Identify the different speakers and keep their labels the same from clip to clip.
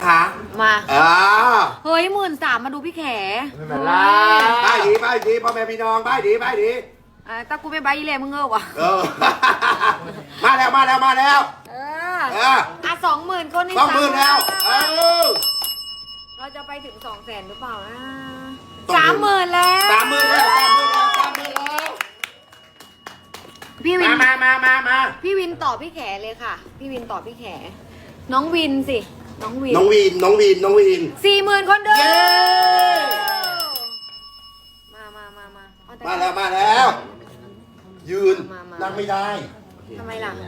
Speaker 1: ค่ะ
Speaker 2: มาเฮ้ย13,000มาดูพี่แข
Speaker 1: ไม่เป็นไรบ้ายดีพ่อแม่พี่น้องบ้ายดี
Speaker 2: ตากูไม่ใบยี่เลยมึงวะ
Speaker 1: มาแล้ว
Speaker 2: 20,000คนนี่
Speaker 1: 20,000แล้ว
Speaker 2: เราจะไปถึง200,000หรือเปล่านะ30,000แล้วพี่วิน
Speaker 1: มา
Speaker 2: พี่วินตอบพี่แขเลยค่ะพี่วินตอบพี่แขน้องวินสิน้องวิน40,000คนเดิม
Speaker 1: มาแล้วยืนนั่งไม่ได้
Speaker 2: ทำไมล่ะ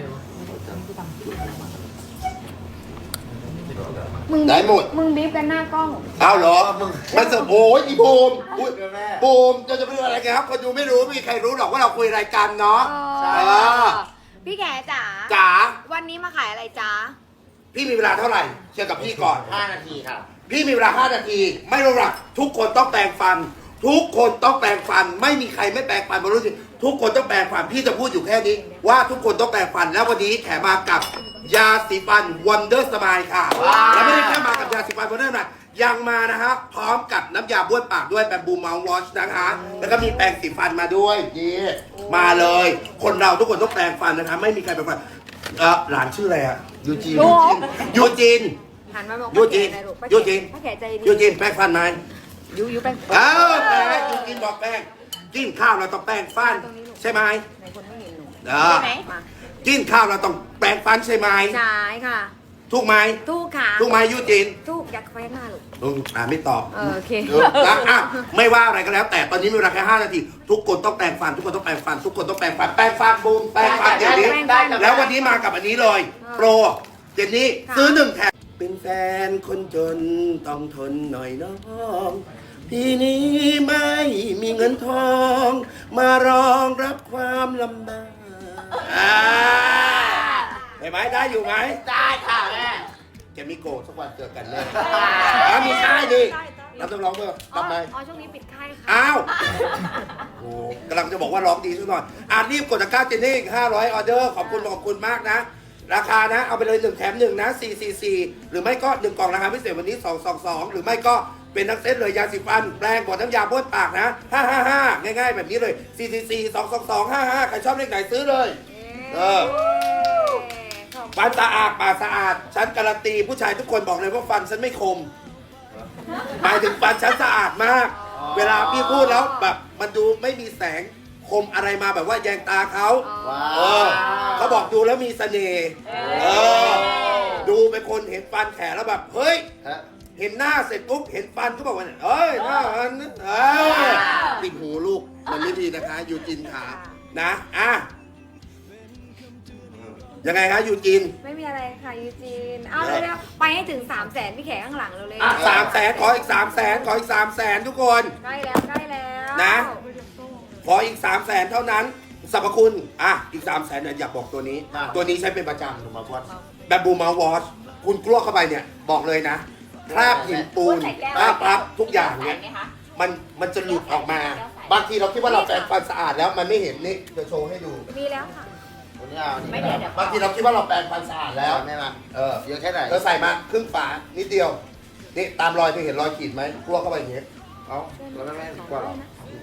Speaker 1: ได้หมด
Speaker 2: มึงบีบกันหน้ากล้อง
Speaker 1: เอาเหรอมันโอ้ยอีบูมจะไปดูอะไรกันครับคนดูไม่รู้ไม่มีใครรู้หรอกว่าเราคุยรายการเนาะ
Speaker 2: พี่แขจ๋าวันนี้มาขายอะไรจ๋า
Speaker 1: พี่มีเวลาเท่าไหร่เชื่อกับพี่ก่อน
Speaker 3: 5 นาทีครับ
Speaker 1: พี่มีเวลา5 นาทีไม่รู้หรอกทุกคนต้องแปรงฟันไม่มีใครไม่แปรงฟันมารู้สิทุกคนต้องแปรงฟันพี่จะพูดอยู่แค่นี้ว่าทุกคนต้องแปรงฟันแล้ววันนี้แถมมากับยาสีฟัน Wonder Smile ค่ะแล้วไม่ได้แค่มากับยาสีฟัน Wonder Smile ยังมานะครับพร้อมกับน้ำยาบ้วนปากด้วยแบบบูมเมาส์วอชนะคะแล้วก็มีแปรงสีฟันมาด้วยนี่มาเลยคนเราทุกคนต้องแปรงฟันนะคะไม่มีใครแปรงฟันหลานชื่ออะไรอะยูจิน
Speaker 2: หันมาบอก
Speaker 1: ยูจินแปรงฟันไหม
Speaker 2: ยูแป้ง
Speaker 1: แป้งกินบอกแป้งกินข้าวเราต้องแป้งฟันใช่ไหม
Speaker 2: ไหนคนไม่เห็นหนู
Speaker 1: ใช่ไหมกินข้าวเราต้องแป้งฟันใช่ไหม
Speaker 2: ใช่ค่ะ
Speaker 1: ถูกไหม
Speaker 2: ถูกค่ะ
Speaker 1: ถูกไหมยูจิน
Speaker 2: ถูกอยากแป้งหน้าลูก
Speaker 1: ไม่ตอบ
Speaker 2: โอเค
Speaker 1: ไม่ว่าอะไรก็แล้วแต่ตอนนี้มีเวลาแค่5 นาทีทุกคนต้องแปรงฟันทุกคนต้องแปรงฟันบูมแปรงฟันเดี๋ยวนี้แล้ววันนี้มากับอันนี้เลยโปรเจนนี่ซื้อ1 แถมเป็นแฟนคนจนต้องทนหน่อยน้องพี่นี้ไม่มีเงินทองมารองรับความลำบากได้ไหมได้อยู่ไหม
Speaker 3: ได้ค่ะแม่
Speaker 1: จะมีโกรธสักวันเจอกันแน่มีค่ายดิเราต้องร้องเพื่อทำไม
Speaker 2: ช่วงนี้ปิดค่ายค่ะ
Speaker 1: อ้าวโอ้กำลังจะบอกว่าร้องดีสักหน่อยรีบกดตะกร้าเจนนี่500ออเดอร์ขอบคุณมากนะราคานะเอาไปเลย1 แถม 1นะ444หรือไม่ก็1 กล่องราคาพิเศษวันนี้222หรือไม่ก็เป็นทั้งเซตเลยยาสีฟันแปรงบดน้ำยาบ้วนปากนะ555ง่ายๆแบบนี้เลย444 222 55ใครชอบเลขไหนซื้อเลยฟันสะอาดปากสะอาดฉันการันตีผู้ชายทุกคนบอกเลยว่าฟันฉันไม่คมหมายถึงฟันฉันสะอาดมากเวลาพี่พูดแล้วแบบมันดูไม่มีแสงคมอะไรมาแบบว่าแยงตาเขาเขาบอกดูแล้วมีเสน่ห์ดูเป็นคนเห็นฟันแขนแล้วแบบเฮ้ยเห็นหน้าเสร็จปุ๊บเห็นฟันก็บอกว่าเอ้ยหน้ามันติดหูลูกมันไม่ดีนะคะยูจินขานะยังไงคะยูจิน
Speaker 2: ไม่มีอะไรค่ะยูจินเอาเร็วไปให้ถึง300,000พี่แขกข้างหลังเลย
Speaker 1: 300,000ขออีก300,000ขออีก300,000ทุกคน
Speaker 2: ใกล้แล้ว
Speaker 1: นะขออีก300,000เท่านั้นสรรพคุณอีก300,000เนี่ยอยากบอกตัวนี้ใช้เป็นประจำแบบบูมเมาส์วอชคุณกลัวเข้าไปเนี่ยบอกเลยนะคราบหินปูนคราบทุกอย่างเนี่ยมันจะหลุดออกมาบางทีเราคิดว่าเราแปรงฟันสะอาดแล้วมันไม่เห็นนี่จะโชว์ให้ดู
Speaker 2: มีแล้วค่ะ
Speaker 3: ไม่เดี๋ยว
Speaker 1: บางทีเราคิดว่าเราแปรงฟันสะอาดแล้ว
Speaker 3: แม่มาเยอะแค่ไหน
Speaker 1: เราใส่มาครึ่งฝานิดเดียวนี่ตามรอยเธอเห็นรอยขีดไหมกลัวเข้าไปอย่างเงี้ย
Speaker 3: เอาแล้วแม่กว่าหรอ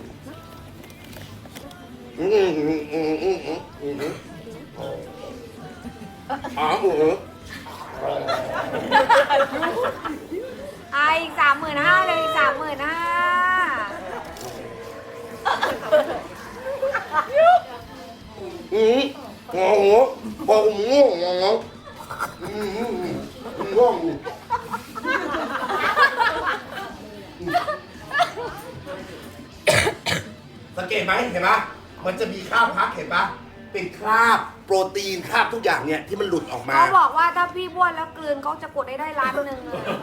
Speaker 2: อีก35,000เลยอีก35,000
Speaker 1: โอ้โหบอกง่วงง่วงสังเกตไหมเห็นไหมมันจะมีคราบพักเห็นปะเป็นคราบโปรตีนคราบทุกอย่างเนี่ยที่มันหลุดออกมา
Speaker 2: เขาบอกว่าถ้าพี่บ้วนแล้วกลืนเขาจะกดได้1 ล้านเลย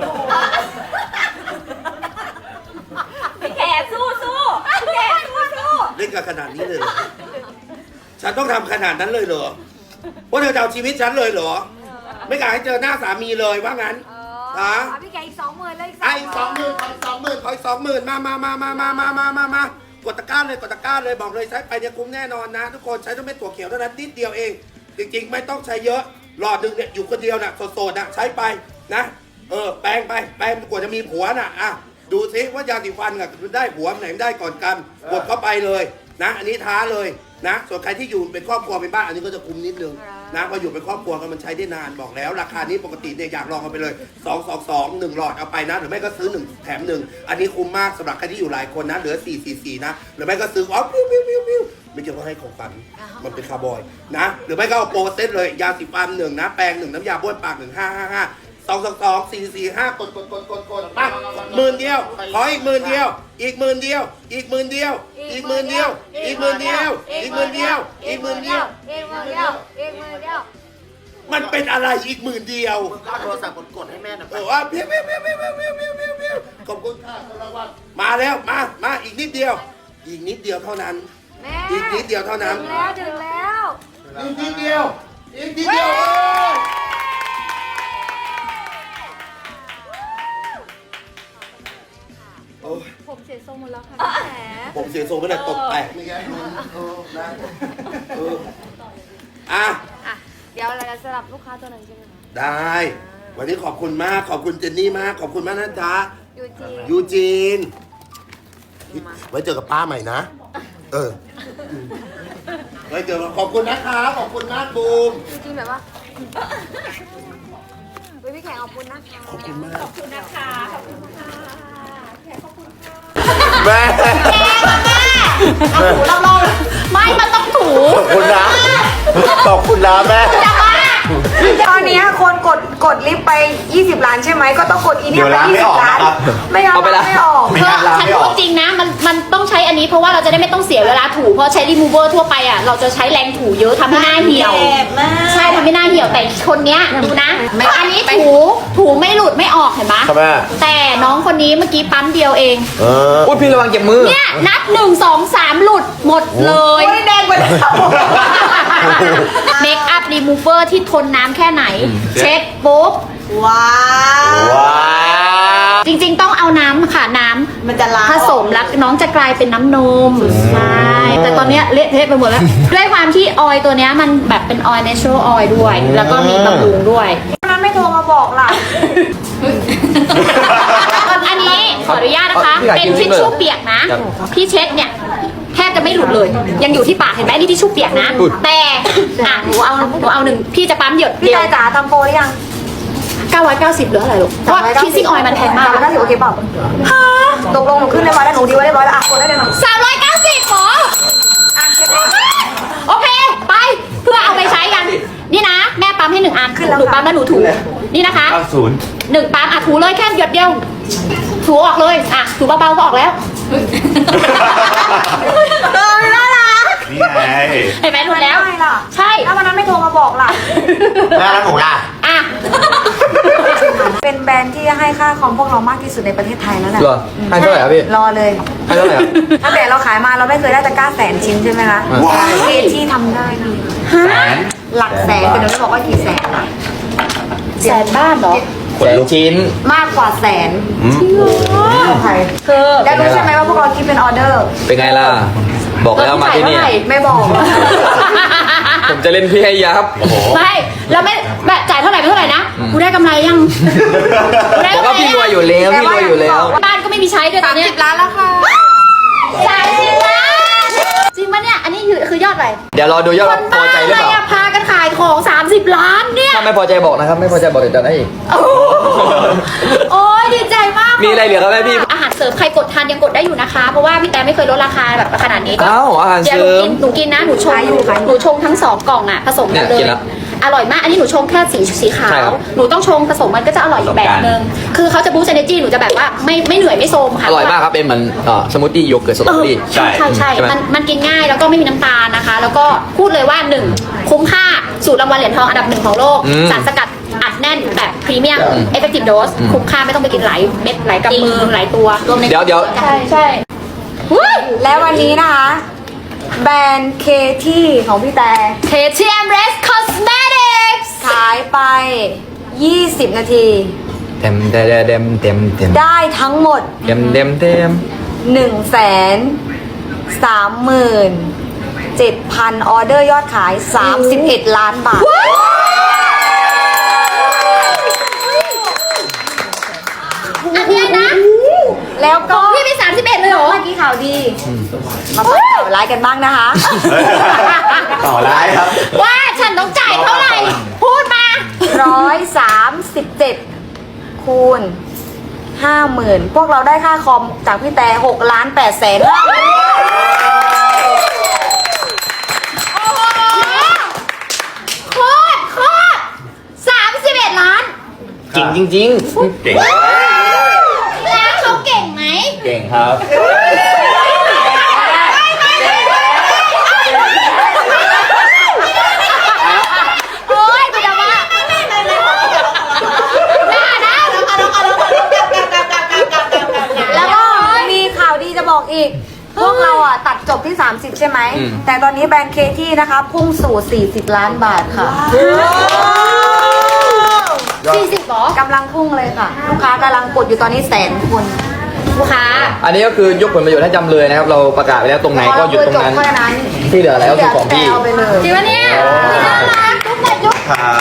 Speaker 2: พี่แขกสู้
Speaker 1: เล่นกันขนาดนี้เลยฉันต้องทำขนาดนั้นเลยเหรอว่าเธอจะเอาชีวิตฉันเลยเหรอไม่กล้าให้เจอหน้าสามีเลยว่างั้น
Speaker 2: พี่แกอีก20,000เลย
Speaker 1: อีก20,000ขออีก20,000มากดตะกร้าเลยบอกเลยใช้ไปเนี่ยคุ้มแน่นอนนะทุกคนใช้ต้องไม่ตัวเขียวเท่านั้นนิดเดียวเองจริงๆไม่ต้องใช้เยอะหลอดหนึ่งเนี่ยอยู่คนเดียวน่ะโสดๆน่ะใช้ไปนะแปลงไปแปลงกว่าจะมีผัวน่ะอ่ะดูซิว่ายาสีฟันกับได้ผัวไหนได้ก่อนกันกดเข้าไปเลยนะอันนี้ท้าเลยนะส่วนใครที่อยู่เป็นครอบครัวเป็นบ้านอันนี้ก็จะคุมนิดนึงนะพออยู่เป็นครอบครัวกันมันใช้ได้นานบอกแล้ว ราคานี้ปกติเนี่ยอยากลองกันไปเลย222 1หลอดเอาไปนะหรือไม่ก็ซื้อ1แถม1อันนี้คุ้มมากสำหรับใครที่อยู่หลายคนนะเหลือ444นะหรือไม่ก็ซื้อปิ้วไม่เกี่ยวกับให้ของฝันมันเป็นคาร์บอยนะหรือไม่ก็เอาโปรเซตเลยยาสีฟัน1นะแปรง1น้ำยาบ้วนปาก1555 222 445กดปั๊บ10,000เดียวขออีก10,000เดียวอีก10,000เดียวอีก10,000เดียวอีก10,000เดียวอีก10,000เดียวอีก10,000เดียวอีก10,000เดียว
Speaker 2: อีกมือเดียวอีกมือเดียว
Speaker 1: มันเป็นอะไรอีก10,000เดียว
Speaker 3: มึงก็เอาโทรศัพท์กดให้แม่หน่อยไป
Speaker 1: ว่าเพี้ยวขอบคุณค่ะรางวัลมาแล้วมาอีกนิดเดียวอีกนิดเดียวเท่านั้น
Speaker 2: แม่
Speaker 1: อีกนิดเดียวเท่านั้น
Speaker 2: ถึงแล้ว
Speaker 1: อีกนิดเดียวอีกนิดเดียวโอ้ย
Speaker 2: ผมเสียทรงหมดแล้วค่ะพี่แข
Speaker 1: ผมเสียทรงไม่ได้ตกแตกไม่ไงนะอ่ะ
Speaker 2: อ่ะเดี๋ยวเราจะสลับลูกค้าตัวหนึ่งใช่ไหมคะ
Speaker 1: ได้ วันนี้ขอบคุณมากขอบคุณเจนนี่มากขอบคุณมากนะจ๊ะ
Speaker 2: ยูจีน
Speaker 1: ไว้เจอกับป้าใหม่นะไว้เจอกันขอบคุณนะคะขอบคุณมากบูม
Speaker 2: ยูจีนแบบว่าเฮ้ยพี่แขกขอบคุณนะคะ
Speaker 1: ขอบคุณมาก
Speaker 2: ขอบคุณนะคะขอบคุณค่ะแขกขอบคุณค่ะ
Speaker 1: แม่
Speaker 2: เอาถูเราไม่มันต้องถู
Speaker 1: ขอบคุณนะขอบคุณนะแม่
Speaker 4: ตอนนี้คนกดลิฟต์ไป20 ล้านใช่ไหมก็ต้องกดอีเนี่ยไป20 ล้านไม่เอาไม่ออก
Speaker 5: ฉันพูดจริงนะมันต้องใช้อันนี้เพราะว่าเราจะได้ไม่ต้องเสียเวลาถูเพราะใช้รีมูเวอร์ทั่วไปอ่ะเราจะใช้แรงถูเยอะทำให้หน้าเหี่ยวใช่ทำให้หน้าเหี่ยวแต่คนเนี้ยดูนะอันนี้ถูไม่หลุดไม่ออกเห็นไหม
Speaker 6: ครับแม่
Speaker 5: แต่น้องคนนี้เมื่อกี้ปั๊มเดียวเอง
Speaker 6: อุ้ยพี่ระวังเก็บมือ
Speaker 5: เนี่ยนับ1 2 3หลุดหมดเลย
Speaker 4: แดงไปแล้ว
Speaker 5: เมคอัพรีมูเวอร์ที่ทนน้ำแค่ไหน เช็ดปุ๊บ
Speaker 4: ว้าว
Speaker 6: ว้าว
Speaker 5: จริงๆต้องเอาน้ำค่ะน้ำ
Speaker 4: มันจะล้าง
Speaker 5: ผสมแล้วน้องจะกลายเป็นน้ำนมใช่แต่ตอนเนี้ยเละเทะไปหมดแล้ว ด้วยความที่ออยล์ตัวเนี้ยมันแบบเป็นออยล์ natural oil ด้วย แล้วก็มีบำรุงด้วย
Speaker 4: วันนั้นไม่โทรมาบอกล่ะ
Speaker 5: อันนี้ขออนุญาตนะคะ เป็นทิชชู่เปียกนะ พี่เช็ดเนี่ยแทบจะไม่หลุดเลย ยังอยู่ที่ปากเห็นไหมนี่ทิชชู่เปียกนะ แต่อ่ะหนูเอาหนึ่งพี่จะปั๊มหยด
Speaker 4: พี่
Speaker 5: เดียว
Speaker 4: ตายจ๋าทำโปรหรือยัง
Speaker 5: 990เหลืออะไรลูกเพราะว่าคิสซิ่งออยล์มันแพงมาก
Speaker 4: 390โอเคเปล่าตกลงหนูขึ้นเรียบร้อยแล้วหนูดีไว้เรียบร้อยแล้วอ่ะกดได้เลยหน่อย
Speaker 5: 390หรอโอเค ไปเพื่อเอาไปใช้กัน นี่นะ แม่ปั๊มให้1 อันหนูปั๊มแล้วหนูถูนี่นะคะ
Speaker 6: 90
Speaker 5: 1 ปั๊มอ่ะถูเลยแค่หยดเดียว ถูออกเลยอ่ะถูเบาๆก็ออกแล้ว
Speaker 4: น่ารัก
Speaker 6: นี่ไง
Speaker 5: เห็นไหมรู้แล้ว
Speaker 4: ไม่ล่ะ
Speaker 5: ใช่
Speaker 4: ถ้าวันนั้นไม่โทรมาบอกล่ะ
Speaker 3: แม่แล้วหนูล่ะ
Speaker 5: อ่ะ
Speaker 4: เป็นแบรนด์ที่ให้ค่าคอมพวกเรามากที่สุดในประเทศไทยแล้วแหละ
Speaker 6: เหรอให้เท่าไหร่ครับพี่
Speaker 4: รอเลย
Speaker 6: ให้เท่าไหร่ครับ
Speaker 4: ตั้งแต่เราขายมาเราไม่เคยได้ตะกร้า100,000 ชิ้นใช่ไหมคะ
Speaker 1: ว้าว
Speaker 4: เกที่ทำได้นี่
Speaker 6: แสน
Speaker 4: หลักแสนแต่หนูไม่บอกว่ากี่แสนอะ
Speaker 5: แสนบ้านเหรอ
Speaker 6: แสนชิ้น
Speaker 4: มากกว่าแสน
Speaker 5: คือ
Speaker 4: ได้รู้ใช่ไหมว่าพวกเราคิดเป็นออเดอร์
Speaker 6: เป็นไงล่ะ บอกแล้วมาที่นี่
Speaker 4: ไม่บอก
Speaker 6: ผมจะเล่นพี่ให้ยับ โอ้โห
Speaker 5: ไม่เราไม่แบบจ่ายเท่าไหร่เป็นเท่าไหร่นะกูได้กำไรยัง
Speaker 6: บอกว่าพี่รวยอยู่แล้ว พี่รวยอยู่แล้ว
Speaker 5: บ้านก็ไม่มีใช้ด้วยตอนเนี้ย
Speaker 4: 30 ล้านแล้วค่ะ
Speaker 5: 30 ล้านจริงปะเนี่ยอันนี้คือยอดอะไร
Speaker 6: เดี๋ยวรอดูยอด
Speaker 5: ค
Speaker 6: ว่านพ
Speaker 5: บ้า
Speaker 6: อใจหรือ
Speaker 5: อะไร
Speaker 6: เปล่า
Speaker 5: อะพากันขายของ30 ล้านเนี่ย
Speaker 6: ถ้าไม่พอใจบอกนะครับ ไม่พอใจบอกเดี๋ยวจะให้อีก
Speaker 5: โอ้โหโอ้ยดีใจมาก
Speaker 6: มีอะไรเหลือครับแม่พี่
Speaker 5: อาหารเสริมใครกดทานยังกดได้อยู่นะคะ เพราะว่าพี่แต่ไม่เคยลดราคาแบบขนาดนี้ก็
Speaker 6: อ้าวอาหาร
Speaker 5: เดี๋ยว
Speaker 6: เสริม
Speaker 5: หนูกินนะหนูชงหนูชงทั้ง2 กล่องอ่ะผสมกันเล
Speaker 6: เนี่ยกิ
Speaker 5: ย
Speaker 6: นแล้ว
Speaker 5: อร่อยมากอันนี้หนูชงแค่สีขา
Speaker 6: ใช่
Speaker 5: ว
Speaker 6: ครับ
Speaker 5: หนูต้องชงผสมมันก็จะอร่อยอีกแบบนึงคือเขาจะบูสต์เอเนจีหนูจะแบบว่าไม่เหนื่อยไม่โทรมค่ะ
Speaker 6: อร่อยมากครับ เป็นเหมือนสมูทตี้โยเกิร์ตสตรอเบอรี่
Speaker 5: ใช่ใช่
Speaker 6: ไหม
Speaker 5: มันกินง่ายแล้วก็ไม่มีน้ำตาลนะคะ แล้วก็พูดเลยว่า 1 คุ้มค่าสูตรรางวัลเหรียญทองอันดับ 1 ของโลก สารสกัดอัดแน่นแบบพรีเมียมเอฟเฟกติฟโดสคุ้มค่าไม่ต้องไปกินหลายเม็ดหลายกำมือหลายตัวรวมใน
Speaker 6: เดี๋ยว
Speaker 5: ใช่
Speaker 4: และวันนี้นะคะ แบรนด์เคที่ของพี่แต่
Speaker 5: KTM Res Cosmetics
Speaker 4: ขายไป 20 นาที
Speaker 6: เต็มเต็มเต็มเต็มเต็ม
Speaker 4: ได้ทั้งหมด
Speaker 6: เต็มเต็มเต็ม
Speaker 4: 137,000 ออเดอร์ยอดขาย 31 ล้านบาท
Speaker 5: อันเนี้ยนะ
Speaker 4: แล้วก็
Speaker 5: พี่มี31เลยเหรอ
Speaker 4: เมื่อกี้ข่าวดี มาฟังข่าวร้ายกันบ้างนะคะ
Speaker 3: ต่อร้ายครับ
Speaker 5: ว่าฉันต้องจ่ายเท่าไหร่ พูดมา
Speaker 4: 137 คูณ 50,000 พวกเราได้ค่าคอมจากพี่แต่6,850,000
Speaker 5: โอ้โหโคตร31 ล้าน
Speaker 6: จริงจริง
Speaker 3: เก่ง
Speaker 5: แล้วเขาเก่งไหม
Speaker 3: เก่งครับ
Speaker 5: โอ้ยคุณจะว่าด่านะ
Speaker 4: แล้วก็มีข่าวดีจะบอกอีก พวกเราอ่ะตัดจบที่ 30 ใช่ไหม แต่ตอนนี้แบรนด์เคที่นะคะ พุ่งสู่ 40 ล้านบาทค่ะ
Speaker 5: 40หรอก
Speaker 4: ำลังพุ่งเลยค่ะ ลูกค้ากำลังกดอยู่ตอนนี้100,000 คน
Speaker 5: ลูกค้า
Speaker 6: ๆ อันนี้ก็คือยกผลประโยชน์ให้จำเลยนะครับ เราประกาศไปแล้วตรงไหนก็หยุดตรงนั้น
Speaker 4: พอเราคุยจบแค่นั้น
Speaker 6: ที่เหลือแล้วคือของพี่
Speaker 4: เอาไปเลย
Speaker 5: จริงปะเนี่ยน่ารักทุกคนยก
Speaker 3: ครับ